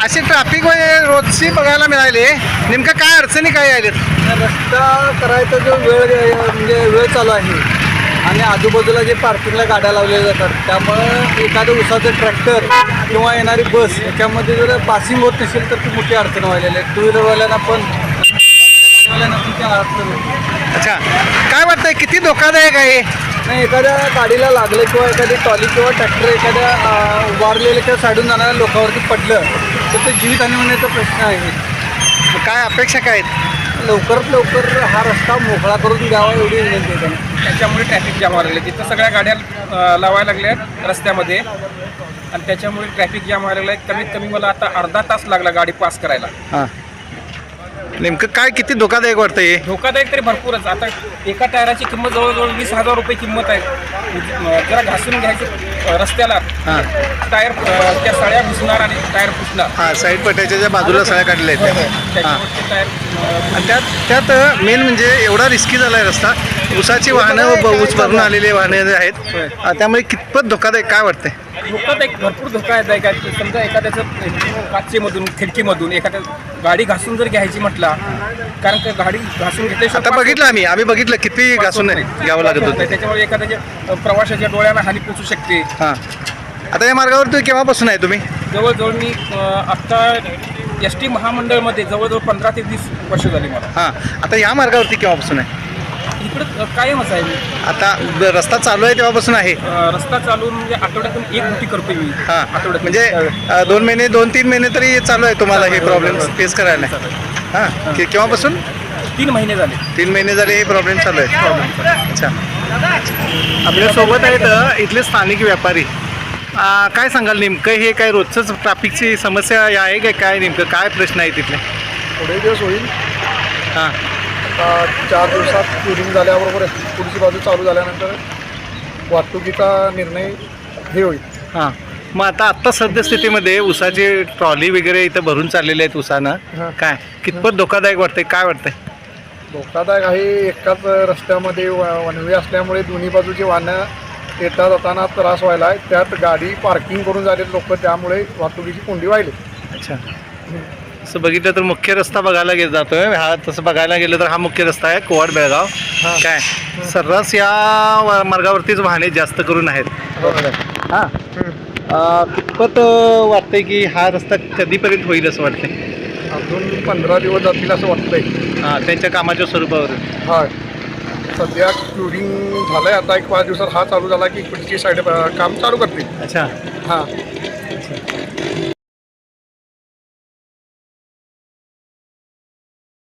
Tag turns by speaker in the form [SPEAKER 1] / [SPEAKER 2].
[SPEAKER 1] अशी ट्रॅफिक रोजची बघायला मिळाली. नेमकं काय अडचणी काय आल्यात?
[SPEAKER 2] रस्ता करायचा जो म्हणजे वेळ चालू आहे आणि आजूबाजूला जे पार्किंगला गाड्या लावलेल्या जातात त्यामुळं एखादं उसाचं ट्रॅक्टर किंवा येणारी बस याच्यामध्ये जर पासिंग होत नसेल तर ती मोठी अडचण व्हायलेली आहे. टू व्हीलरवाल्यांना पण गाडीवाल्यांना पण त्या अडचण होते.
[SPEAKER 1] अच्छा, काय वाटतंय किती धोकादायक आहे?
[SPEAKER 2] नाही, एखाद्या गाडीला लागलं किंवा एखादी ट्रॉली किंवा ट्रॅक्टर एखाद्या उभारलेल्या किंवा साईडून जाणाऱ्या लोकांवरती पडलं तर ते जीवितहानी होण्याचा प्रश्न आहे.
[SPEAKER 1] काय अपेक्षा काय आहेत?
[SPEAKER 2] लवकरात लवकर हा रस्ता मोकळा करून द्यावा एवढी विनंती आहे त्यांना.
[SPEAKER 3] त्याच्यामुळे ट्रॅफिक जाम व्हायला लागले. तिथं सगळ्या गाड्या लावायला लागल्या रस्त्यामध्ये आणि त्याच्यामुळे ट्रॅफिक जाम व्हायला लागलं. कमीत कमी मला आता अर्धा तास लागला गाडी पास करायला.
[SPEAKER 1] हां, नेमकं काय किती धोकादायक वाटतंय हे?
[SPEAKER 3] धोकादायक तरी भरपूरच. आता एका टायराची किंमत जवळजवळ 20,000 रुपये किंमत आहे. जरा घासून घ्यायचं रस्त्याला
[SPEAKER 1] हां
[SPEAKER 3] टायर त्या सळ्या घुसणार आणि टायर फुटणार.
[SPEAKER 1] हां, साईड पट्ट्याच्या ज्या बाजूला सळ्या काढल्या आहेत हां,
[SPEAKER 3] त्याच्यामुळे ते टायर
[SPEAKER 1] आणि त्यात मेन म्हणजे एवढा रिस्की झाला आहे रस्ता. ऊसाची वाहनं ऊस भरून आलेली वाहनं जे आहेत त्यामुळे कितपत धोकादायक काय वाटतंय?
[SPEAKER 3] धोकादायक भरपूर धोकादायक आहे. समजा एखाद्याचं काचेमधून खिडकीमधून एखाद्या गाडी घासून जर घ्यायची म्हटला, कारण का गाडी घासून घेतल्याशिवाय
[SPEAKER 1] आता बघितलं आम्ही बघितलं किती घासून घ्यावं लागत होतं.
[SPEAKER 3] त्याच्यामुळे एखाद्याच्या प्रवाशाच्या डोळ्याला हानी पोचू शकते.
[SPEAKER 1] हां, आता या मार्गावर तुम्ही केव्हापासून आहे तुम्ही?
[SPEAKER 3] जवळजवळ मी आत्ता ST महामंडळमध्ये जवळजवळ 15 ते 20 वर्ष झाली मला.
[SPEAKER 1] हां, आता या मार्गावरती केव्हापासून आहे?
[SPEAKER 3] इकडं कायमच आहे मी.
[SPEAKER 1] आता रस्ता चालू आहे तेव्हापासून आहे?
[SPEAKER 3] रस्ता चालू म्हणजे आठवड्यातून एक ड्युटी करतो मी.
[SPEAKER 1] हां,
[SPEAKER 3] आठवड्यात
[SPEAKER 1] म्हणजे 2-3 महिने तरी चालू आहे तुम्हाला हे प्रॉब्लेम फेस करायला? हां, केव्हापासून?
[SPEAKER 3] 3 महिने झाले.
[SPEAKER 1] 3 महिने झाले हे प्रॉब्लेम चालू आहे. अच्छा, आपल्यासोबत आहेत इथले स्थानिक व्यापारी. काय सांगाल नेमकं हे काय रोजचंच ट्रॅफिकची समस्या आहे काय? काय नेमकं काय प्रश्न आहे तिथले?
[SPEAKER 2] थोडे दिवस होईल.
[SPEAKER 1] हां,
[SPEAKER 2] आता 4 दिवसात क्युरिंग झाल्याबरोबर पुढची बाजू चालू झाल्यानंतर वाहतुकीचा निर्णय हे होईल.
[SPEAKER 1] हां, मग आत्ता सद्यस्थितीमध्ये ऊसाची ट्रॉली वगैरे इथं भरून चाललेले आहेत ऊसानं.
[SPEAKER 2] हां.
[SPEAKER 1] काय कितपत धोकादायक वाटतंय? काय वाटतंय?
[SPEAKER 2] धोकादायक आहे. एकाच रस्त्यामध्ये वनवे असल्यामुळे दोन्ही बाजूची वाहनं येता जाताना त्रास व्हायला आहे. त्यात गाडी पार्किंग करून झाले लोक, त्यामुळे वाहतुकीची कोंडी व्हायली.
[SPEAKER 1] अच्छा, असं बघितलं तर मुख्य रस्ता बघायला जातोय हा. तसं बघायला गेलं तर हा मुख्य रस्ता आहे कोवाड बेळगाव. काय सर्रास या मार्गावरतीच वाहने जास्त करून आहेत. हां, कितपत वाटतंय की हा रस्ता कधीपर्यंत होईल असं वाटतंय?
[SPEAKER 2] अजून 15 दिवस जातील असं वाटतंय.
[SPEAKER 1] हां, त्यांच्या कामाच्या स्वरूपावर.
[SPEAKER 2] हा, सध्या क्युरिंग झालंय. आता एक 5 दिवसात हा चालू झाला की पुढची साईड काम चालू करतील.
[SPEAKER 1] अच्छा,
[SPEAKER 2] हां,